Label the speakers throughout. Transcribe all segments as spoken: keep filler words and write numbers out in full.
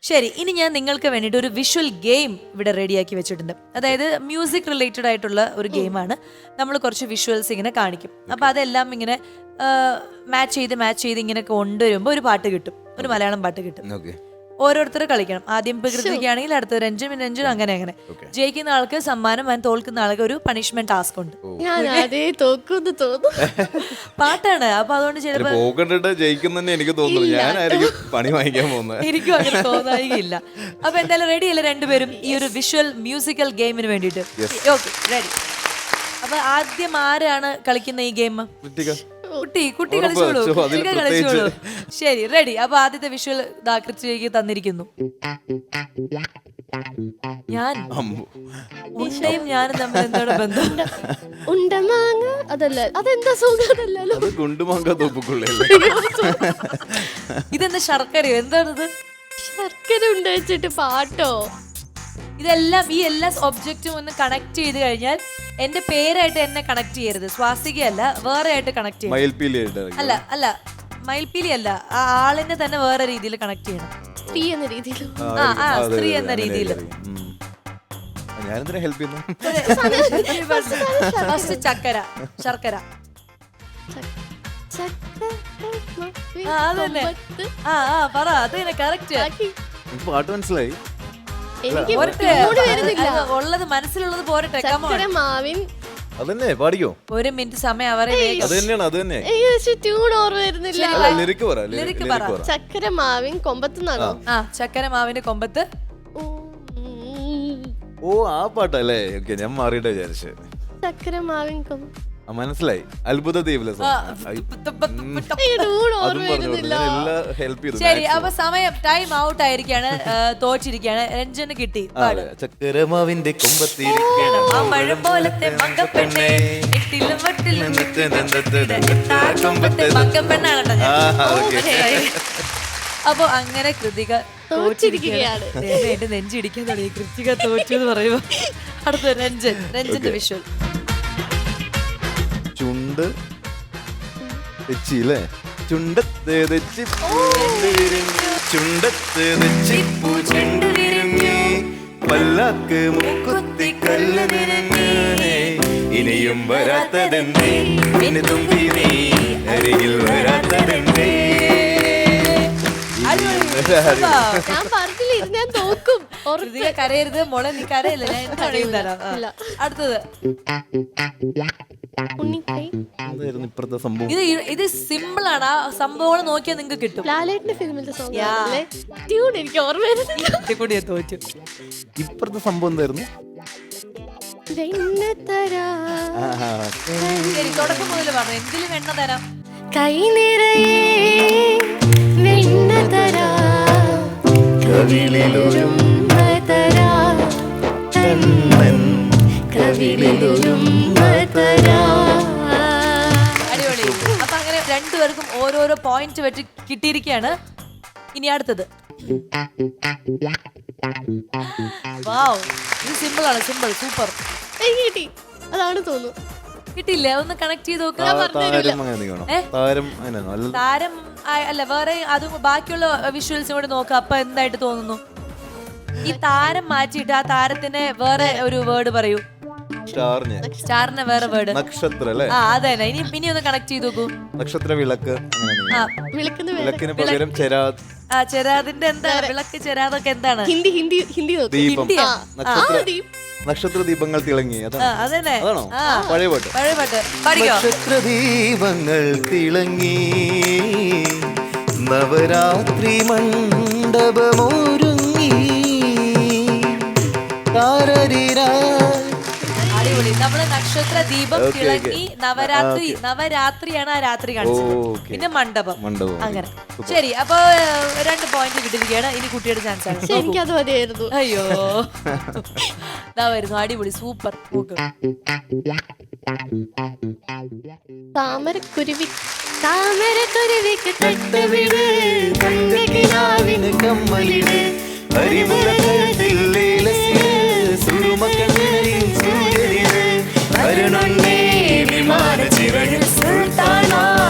Speaker 1: ശരി, ഇനി ഞാൻ നിങ്ങൾക്ക് വേണ്ടിയിട്ട് ഒരു വിഷ്വൽ ഗെയിം ഇവിടെ റെഡിയാക്കി വെച്ചിട്ടുണ്ട്. അതായത് മ്യൂസിക് റിലേറ്റഡ് ആയിട്ടുള്ള ഒരു ഗെയിമാണ്. നമ്മൾ കുറച്ച് വിഷ്വൽസ് ഇങ്ങനെ കാണിക്കും. അപ്പം അതെല്ലാം ഇങ്ങനെ മാച്ച് ചെയ്ത് മാച്ച് ചെയ്ത് ഇങ്ങനെ കൊണ്ടുവരുമ്പോൾ ഒരു പാട്ട് കിട്ടും, ഒരു മലയാളം പാട്ട് കിട്ടും. ഓരോരുത്തർ കളിക്കണം. ആദ്യം പ്രകൃതിക്കാണെങ്കിൽ അടുത്ത രഞ്ജും രഞ്ജും അങ്ങനെ അങ്ങനെ. ജയിക്കുന്ന ആൾക്ക് സമ്മാനം, ആൻഡ് തോൽക്കുന്ന ആൾക്ക് ഒരു പണിഷ്മെന്റ് ടാസ്ക് ഉണ്ട്. പാട്ടാണ്. അപ്പൊ അതുകൊണ്ട് ചിലപ്പോൾ
Speaker 2: ജയിക്കുന്ന എനിക്ക് തോന്നുന്നു ഞാനായിരിക്കും പണി വാങ്ങിക്കാൻ പോകുന്നത്.
Speaker 1: എനിക്കും അങ്ങനെ തോന്നായില്ല. അപ്പൊ എന്തായാലും റെഡി അല്ലേ രണ്ടുപേരും ഈ ഒരു വിഷ്വൽ മ്യൂസിക്കൽ ഗെയിമിന് വേണ്ടിയിട്ട്? Okay, ready. അപ്പൊ ആദ്യം ആരാണ് കളിക്കുന്ന ഈ ഗെയിം? കുട്ടി കുട്ടി കളിച്ചോളൂ, കളിച്ചോളൂ. ശരി, റെഡി. അപ്പൊ ആദ്യത്തെ വിഷ്വൽ കൃത്യക്ക് തന്നിരിക്കുന്നു. ഞാൻ ഉണ്ടയും ഞാനും തമ്മിൽ എന്താണ് ബന്ധം?
Speaker 3: ഉണ്ടമാങ്ങ അതല്ല, അതെന്താ സുഖമല്ലോ.
Speaker 1: ഇതെന്താ ശർക്കരയോ? എന്താണിത്?
Speaker 3: ശർക്കര ഉണ്ട വെച്ചിട്ട് പാട്ടോ?
Speaker 1: ഇതെല്ലാം ഈ എല്ലാ ഒബ്ജക്റ്റും ഒന്ന് കണക്ട് ചെയ്ത് കഴിഞ്ഞാൽ എന്റെ പേരായിട്ട് എന്നെ കണക്ട് ചെയ്യരുത്. സ്വാസികയല്ല, വേറെ ആയിട്ട് കണക്ട് ചെയ്യണം. അല്ല അല്ല മയിൽപ്പീലി അല്ല, ആ ആളിനെ തന്നെ വേറെ രീതിയിൽ കണക്ട് ചെയ്യണം.
Speaker 3: സ്ത്രീ എന്ന രീതിയിൽ.
Speaker 1: ആ ആ സ്ത്രീ എന്ന രീതിയിൽ. ചക്കര, ശർക്കര. ആ അതന്നെ. ആ ആ പറ, അത് തന്നെ കറക്റ്റ്.
Speaker 2: പാട്ട് മനസ്സിലായി.
Speaker 1: ഉള്ളത് മനസ്സിലുള്ളത് പോരട്ടെ.
Speaker 3: മാവിൻ
Speaker 2: അതന്നെ പാടിക്കോ.
Speaker 1: ഒരു മിനിറ്റ് സമയം അവരെ.
Speaker 3: ചക്കര മാവിൻ കൊമ്പത്ത് നിന്നാണോ?
Speaker 1: ആ ചക്കര മാവിന്റെ കൊമ്പത്ത്.
Speaker 2: ഓ ആ പാട്ടല്ലേ. ഓക്കെ, ഞാൻ മാറിയിട്ട് വിചാരിച്ചു.
Speaker 3: ചക്കര മാവിൻ കൊമ്പത്ത്
Speaker 2: മനസ്സിലായി. അത്ഭുത ദ്വീപിലെ
Speaker 1: ശരി. അപ്പൊ സമയം ടൈം ഔട്ട് ആയിരിക്കാണ്, തോറ്റിരിക്കാണ്. രഞ്ജന് കിട്ടി.
Speaker 2: ചക്കരമാവിന്റെ കൊമ്പത്തിരിക്കണം
Speaker 1: മഴ പോലത്തെ മങ്കപ്പെണ്ണെ, മങ്കപ്പെണ്ണാണ്. അപ്പൊ അങ്ങനെ കൃതിക തോറ്റിരിക്കുകയാണ്. എന്റെ നെഞ്ചിടിക്കാൻ തുടങ്ങി. കൃതിക തോറ്റു എന്ന് പറയുമ്പോ അടുത്ത രഞ്ജൻ. രഞ്ജന്റെ വിഷ്വൽ.
Speaker 2: ചുണ്ട് തെച്ചില്ലേ? ചുണ്ടത്ത് തെച്ചി ചുണ്ടത്ത് തെച്ചിപ്പൂ ചെണ്ടു വിരിഞ്ഞു, പല്ലാക്ക് മുക്കുത്തി കല്ല് നിറഞ്ഞു, ഇനിയും വരാത്തതെന്തേ പിന്നെ തുമ്പി നീ അരികിൽ വരാത്തതെന്തേ.
Speaker 3: ഞാൻ പറഞ്ഞില്ല ഇത് ഞാൻ തോക്കും.
Speaker 1: കരയരുത് മോളെ, നീ കരയില്ല, ഞാൻ കരയും തരാം. അടുത്തത്. ഇത് ഇത് സിമ്പിൾ ആണ്. ആ സംഭവം നോക്കിയാൽ നിങ്ങൾക്ക് കിട്ടും.
Speaker 3: ലാലേട്ടന്റെ ഫിലിമിന്റെ സോങ് ആണല്ലേ? ട്യൂൺ എനിക്ക് ഓർമ്മ വരുന്നില്ല.
Speaker 1: കൂടിയാ തോറ്റു.
Speaker 2: ഇപ്പഴത്തെ സംഭവം എന്തായിരുന്നു?
Speaker 1: തുടക്കം മുതൽ പറഞ്ഞു. എന്തിലും എണ്ണ തരാം.
Speaker 3: കൈ നിറയെ വെണ്ണ തരാം, കവിളിലൊരും തരാം, കവിളിലൊരും തരാം.
Speaker 1: അടിപൊളി. അപ്പൊ അങ്ങനെ രണ്ടുപേർക്കും ഓരോരോ പോയിന്റ് വെച്ച് കിട്ടിയിരിക്കുകയാണ്. ഇനി അടുത്തത്. വാവ്, ഇത് സിമ്പിൾ ആണ്. Simple, super.
Speaker 3: കിട്ടി. അതാണ് തോന്നുന്നു.
Speaker 1: കിട്ടില്ല, ഒന്ന് കണക്ട് ചെയ്ത് നോക്കുക. താരം അല്ല, വേറെ അത് ബാക്കിയുള്ള വിഷ്വൽസും കൂടെ നോക്കുക. അപ്പൊ എന്തായിട്ട് തോന്നുന്നു? ഈ താരം മാറ്റിയിട്ട് ആ താരത്തിന് വേറെ ഒരു വേർഡ് പറയൂ. സ്റ്റാറിന് വേറെ വേർഡ്.
Speaker 2: നക്ഷത്ര.
Speaker 1: ആ അതന്നെ. ഇനി ഇനി ഒന്ന് കണക്ട് ചെയ്ത് നോക്കൂ.
Speaker 2: നക്ഷത്ര, വിളക്ക്.
Speaker 3: വിളക്കിന്
Speaker 2: പകരം ചെരാത്.
Speaker 1: ആ ചെരാതിന്റെ എന്താ? വിളക്ക്, ചെരാതൊക്കെ എന്താണ്?
Speaker 3: ഹിന്ദി ഹിന്ദി ഹിന്ദി
Speaker 2: നക്ഷത്ര ദീപങ്ങൾ തിളങ്ങി.
Speaker 1: അതന്നെ.
Speaker 2: പഴയ പാട്ട്.
Speaker 1: പഴയ പാട്ട് പാടിക്കോ.
Speaker 2: നക്ഷത്ര ദീപങ്ങൾ തിളങ്ങി, നവരാത്രി മണ്ഡപമൊരുങ്ങി, താരരീരാ.
Speaker 1: അടിപൊളി. നമ്മള് നക്ഷത്ര ദീപം തിളങ്ങി, നവരാത്രി. നവരാത്രിയാണ് ആ രാത്രി കാണിച്ചത്. പിന്നെ മണ്ഡപം. അങ്ങനെ. ശരി, അപ്പൊ രണ്ട് പോയിന്റ് കിട്ടിയിരിക്കുകയാണ്. ഇനി കുട്ടിയുടെ ചാൻസ് ആണ്.
Speaker 3: എനിക്കത് മതിയായിരുന്നു.
Speaker 1: അയ്യോ, ഇതാ വരുന്നു. അടിപൊളി, സൂപ്പർ.
Speaker 3: താമരക്കുരുവി താമരക്കുരുവിക്ക് തട്ടവിട്, തങ്കക്കിനാവിന് കമ്മലിട്, അരിമുളകത്തിൽ സുറുമക്കണ്ണിൽ സൂര്യനിട്, അരുണുണ്ണേ വിമാന ചിറകിൽ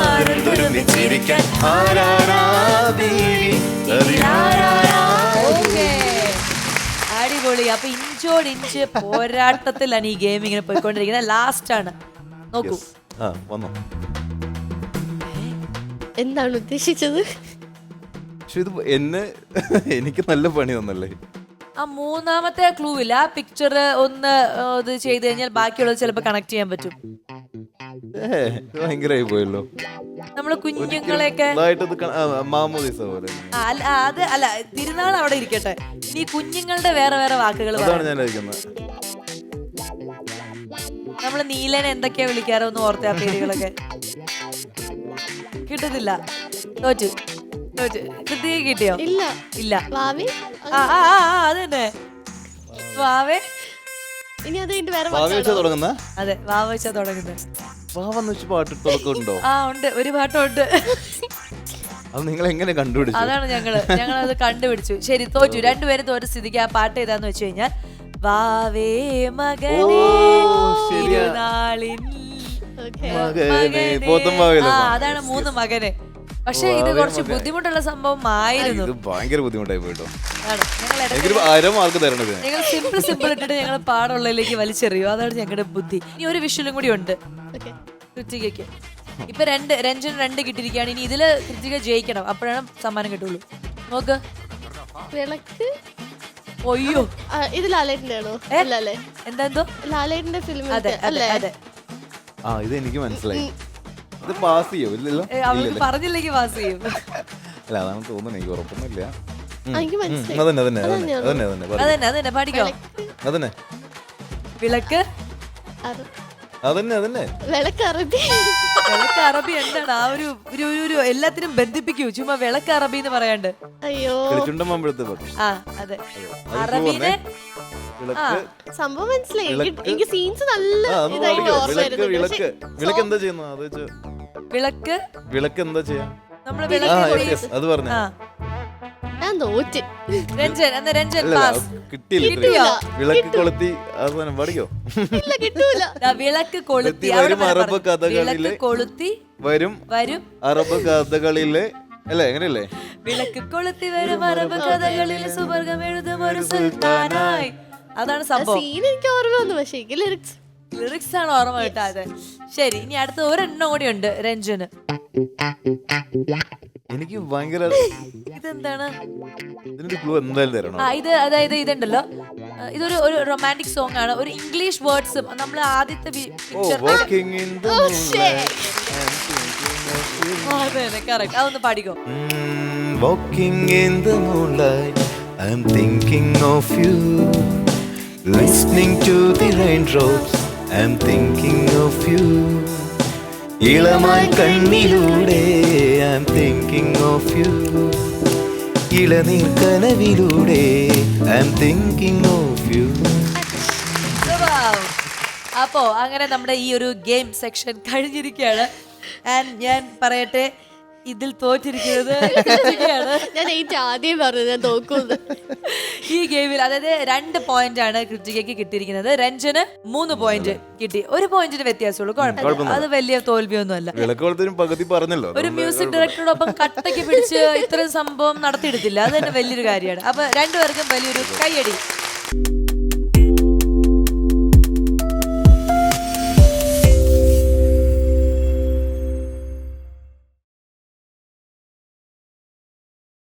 Speaker 3: സുൽത്താനാരുൾച്ചിരിക്കാൻ ആരാരാ ബീവി.
Speaker 1: അടിപൊളി. അപ്പൊ ഇഞ്ചോട് ഇഞ്ച് പോരാട്ടത്തിലാണ് ഈ ഗെയിം ഇങ്ങനെ പോയിക്കൊണ്ടിരിക്കുന്നത്. ലാസ്റ്റ് ആണ്, നോക്കൂ.
Speaker 2: ആ വന്നോ.
Speaker 3: എന്താണ് ഉദ്ദേശിച്ചത്?
Speaker 2: പക്ഷെ ഇത് എന്നെ എനിക്ക് നല്ല പണി തന്നല്ലേ.
Speaker 1: ആ മൂന്നാമത്തെ ക്ലൂ ഇല്ല, ആ പിക്ചർ ഒന്ന് ആ, ഇത് ചെയ്ത് കഴിഞ്ഞാൽ ബാക്കിയുള്ളത് ചിലപ്പോൾ കണക്ട് ചെയ്യാൻ പറ്റും.
Speaker 2: ഏ ഭയങ്കരമായി പോയല്ലോ.
Speaker 1: നമ്മള് കുഞ്ഞുങ്ങളെയൊക്കെ
Speaker 2: ഇതായിട്ട് ഇത് ക- ആ, മാമോദീസ പോലെ.
Speaker 1: ആ, അല്ല ആ, അത് അല്ല, തിരുനാൾ അവിടെ ഇരിക്കട്ടെ. ഇനി കുഞ്ഞുങ്ങളുടെ വേറെ വേറെ വാക്കുകൾ
Speaker 2: അതാണ് ഞാൻ കഴിക്കുന്നത്.
Speaker 1: നമ്മള് നീലനെ എന്തൊക്കെയാ വിളിക്കാറോ ഒന്ന് ഓർത്ത ആ പേരുകളൊക്കെ കിട്ടുന്നില്ല. തോറ്റു തോറ്റു കൃത്യ കിട്ടിയോ?
Speaker 3: ഇല്ല.
Speaker 1: ഇല്ല.
Speaker 3: വാവി
Speaker 1: ആ ആ ആ ആ, അത് തന്നെ വാവേ.
Speaker 3: ഇനി അത് കഴിഞ്ഞിട്ട് വേറെ
Speaker 2: ഭാവി വെച്ചാ തുടങ്ങുന്ന
Speaker 1: അതെ, വാവ വെച്ചാ തുടങ്ങുന്നത്.
Speaker 2: ഭാവന്ന് വെച്ച് പാട്ട് തുടക്കമുണ്ടോ?
Speaker 1: ആ ഉണ്ട്, ഒരു പാട്ടുണ്ട്.
Speaker 2: അത് നിങ്ങൾ എങ്ങനെ കണ്ടുപിടിച്ചു?
Speaker 1: അതാണ് ഞങ്ങള് ഞങ്ങളത് കണ്ടുപിടിച്ചു. ശരി, തോറ്റു. രണ്ടുപേരും തോറ്റ സ്ഥിതിക്ക് ആ പാട്ട് ഏതാന്ന് വെച്ച് കഴിഞ്ഞാൽ വാവേ മകനേ
Speaker 2: ശരിയാ.
Speaker 1: തിരുനാളിൻ
Speaker 3: Okay.
Speaker 2: മകനെ, പോത്തും ഭാവിയല്ലേ?
Speaker 1: ആ, അതാണ് മൂന്ന് മകനെ. പക്ഷെ ഇത്
Speaker 2: വാവേ
Speaker 1: കുറച്ച്
Speaker 2: മകനെ.
Speaker 1: ബുദ്ധിമുട്ടുള്ള സംഭവം ആയിരുന്നു.
Speaker 2: ഇത് ഭയങ്കര ബുദ്ധിമുട്ടായി പോയിട്ടോ.
Speaker 1: ആണ്. ഞങ്ങൾ ഇടയ്ക്ക്
Speaker 2: എനിക്കൊരു അര മാർക്ക് തരണത്.
Speaker 1: ഞങ്ങൾ സിമ്പിൾ സിമ്പിൾ ഇട്ടിട്ട് ഞങ്ങൾ പാടുള്ളതിലേക്ക് വലിച്ചെറിയും. അതാണ് ഞങ്ങളുടെ ബുദ്ധി. ഇനി ഒരു വിഷ്വലും കൂടി ഉണ്ട്
Speaker 3: Okay.
Speaker 1: കൃത്തികയ്ക്ക്. ഇപ്പൊ രണ്ട് രഞ്ജൻ രണ്ട് കിട്ടിയിരിക്കുകയാണ്. ഇനി ഇതില് കൃത്തിക ജയിക്കണം, അപ്പോഴാണ് സമ്മാനം കിട്ടുള്ളൂ. നോക്ക്.
Speaker 3: വിളക്ക്.
Speaker 1: ഒയ്യോ,
Speaker 3: ആ, ഇത് ലാലേട്ടന്റെ ആണോ? അല്ല അല്ലേ?
Speaker 1: എന്താ എന്തോ
Speaker 3: ലാലേട്ടന്റെ ഫിലിം
Speaker 1: അതെ അതെ
Speaker 3: അല്ലേ?
Speaker 1: അതെ.
Speaker 2: ആ ഇത് എനിക്ക് മനസ്സിലായി. ഇത് പാസ് ചെയ്യോ? ഇല്ലല്ലോ.
Speaker 1: ഏ, അവർക്ക് പറഞ്ഞില്ലെങ്കിൽ പാസ് ചെയ്യും.
Speaker 2: അല്ല അതാണ് തോന്നുന്നത്, എനിക്ക് ഉറപ്പൊന്നുമില്ല. ഉം.
Speaker 3: ആ, എനിക്ക്
Speaker 2: ഉം,
Speaker 3: മനസ്സിലായി.
Speaker 2: അതന്നെ അതന്നെ അതന്നെ അതന്നെ അതന്നെ പറയൂ.
Speaker 1: അതന്നെ അതന്നെ പാടിക്കോ.
Speaker 2: അതന്നെ
Speaker 1: വിളക്ക്.
Speaker 3: അറ-
Speaker 2: അതന്നെ അതന്നെ
Speaker 3: വിളക്ക് അറബി.
Speaker 1: വിളക്ക് അറബി എന്താണ്? ആ ഒരു ഒരു ഒരു- ഒരു എല്ലാത്തിനും ബന്ധിപ്പിക്കൂ. ചുമ്മാ വിളക്ക് അറബി എന്ന് പറയാണ്ട്.
Speaker 3: അയ്യോ,
Speaker 2: കിളിച്ചുണ്ടമ്പഴത്തെ പാട്ട്.
Speaker 1: ആ അതെ,
Speaker 2: അത്
Speaker 1: അറബീനെ.
Speaker 2: വിളക്ക്
Speaker 3: സംഭവം മനസ്സിലായി. എനിക്ക്
Speaker 2: വിളക്ക്.
Speaker 3: എനിക്ക് സീൻസ് നല്ല
Speaker 2: ആ അത്
Speaker 3: ഇതായിട്ട്
Speaker 2: പാടിക്കോ.
Speaker 3: ഓർമ്മ
Speaker 2: വിളക്ക്
Speaker 3: വരുന്നുണ്ട്.
Speaker 2: വിളക്ക്
Speaker 3: പക്ഷെ
Speaker 2: വിളക്ക് എന്താ ചെയ്യുന്നു? അത് വെച്ച്
Speaker 1: വിളക്ക്
Speaker 2: വിളക്ക് എന്താ ചെയ്യാ?
Speaker 1: നമ്മള്
Speaker 2: ആ
Speaker 1: വിളക്ക്
Speaker 2: yes,
Speaker 1: എറിയും.
Speaker 2: yes, അത് പറഞ്ഞു.
Speaker 1: ആ,
Speaker 3: ഞാൻ തോറ്റ്.
Speaker 1: രഞ്ജൻ എന്നാ രഞ്ജൻ
Speaker 2: അല്ല
Speaker 1: പാസ്.
Speaker 2: കിട്ടിയില്ല
Speaker 1: കിട്ടിയോ?
Speaker 2: ഇത്രയും. വിളക്ക് കൊളുത്തി അവസാനം പാടിക്കോ.
Speaker 3: ഇല്ല, കിട്ടൂല.
Speaker 1: ദാ വിളക്ക് കൊളുത്തി.
Speaker 2: വരും
Speaker 1: അവിടെ വരെ
Speaker 2: അറബ്
Speaker 1: പറഞ്ഞു.
Speaker 2: കഥകളിലെ
Speaker 1: വിളക്ക് കൊളുത്തി
Speaker 2: വരും
Speaker 1: വരും
Speaker 2: അറബ് കഥകളിലെ അല്ലേ എങ്ങനെയല്ലേ?
Speaker 1: വിളക്ക് കൊളുത്തി വരും അറബ് കഥകളിൽ സുവർഗം എഴുതും ഒരു സുൽത്താനായി. അതാണ് സംഭവം.
Speaker 3: സീൻ എനിക്ക് ഓർമ്മ വന്നു, പക്ഷെ എനിക്ക് ലിറിക്സ്
Speaker 1: ലിറിക്സ് ആണ് ഓർമ്മ കിട്ടാതെ. ശരി, ഇനി അടുത്ത ഒരെണ്ണം കൂടി ഉണ്ട് രഞ്ജന്.
Speaker 2: എനിക്ക് ഭയങ്കര
Speaker 1: ഇതെന്താണ്?
Speaker 2: ഇതിനൊരു ക്ലൂ എന്തായാലും തരണം.
Speaker 1: ആ ഇത് അതായത് ഇതുണ്ടല്ലോ, ആ, ഇതൊരു ഒരു റൊമാൻറ്റിക് സോങ് ആണ്. ഒരു ഇംഗ്ലീഷ് വേർഡ്സും നമ്മൾ ആദ്യത്തെ
Speaker 2: ഓ
Speaker 1: picture.
Speaker 2: walking in the moonlight.
Speaker 1: അതെ കറക്റ്റ്. അതൊന്ന് പാടിക്കോ.
Speaker 2: Mm, walking in the moonlight, I'm thinking of you. Listening to the raindrops, I'm thinking of you. ഇളമായി കണ്ണിലൂടെ I'm thinking of you. ഇളനീർ കനവിലൂടെ I'm thinking of you.
Speaker 1: Wow. അപ്പോ അങ്ങനെ നമ്മുടെ ഈ ഒരു ഗെയിം സെക്ഷൻ കഴിഞ്ഞിരിക്കുകയാണ്. ആൻഡ് ഞാൻ പറയട്ടെ, ഇതിൽ തോറ്റിരിക്കുന്നത് കൃത്തികയാണ്.
Speaker 3: ഞാൻ ഏറ്റവും ആദ്യം പറഞ്ഞു ഞാൻ തോക്കുന്നു.
Speaker 1: ഈ ഗെയിമിൽ അതായത് രണ്ട് പോയിന്റ് ആണ് കൃത്തികയ്ക്ക് കിട്ടിയിരിക്കുന്നത്. രഞ്ജന് മൂന്ന് പോയിന്റ് കിട്ടി. ഒരു പോയിന്റിന് വ്യത്യാസമുള്ളൂ, കുഴപ്പമില്ല. അത് വലിയ തോൽവിയൊന്നും അല്ല.
Speaker 2: വിളക്കോളത്തിനും പകുതി പറഞ്ഞല്ലോ.
Speaker 1: ഒരു മ്യൂസിക് ഡയറക്ടറോടൊപ്പം കട്ടയ്ക്ക് പിടിച്ച് ഇത്രയും സംഭവം നടത്തിയെടുത്തില്ല, അത് തന്നെ വലിയൊരു കാര്യമാണ്. അപ്പൊ രണ്ടുപേർക്കും വലിയൊരു കൈയടി.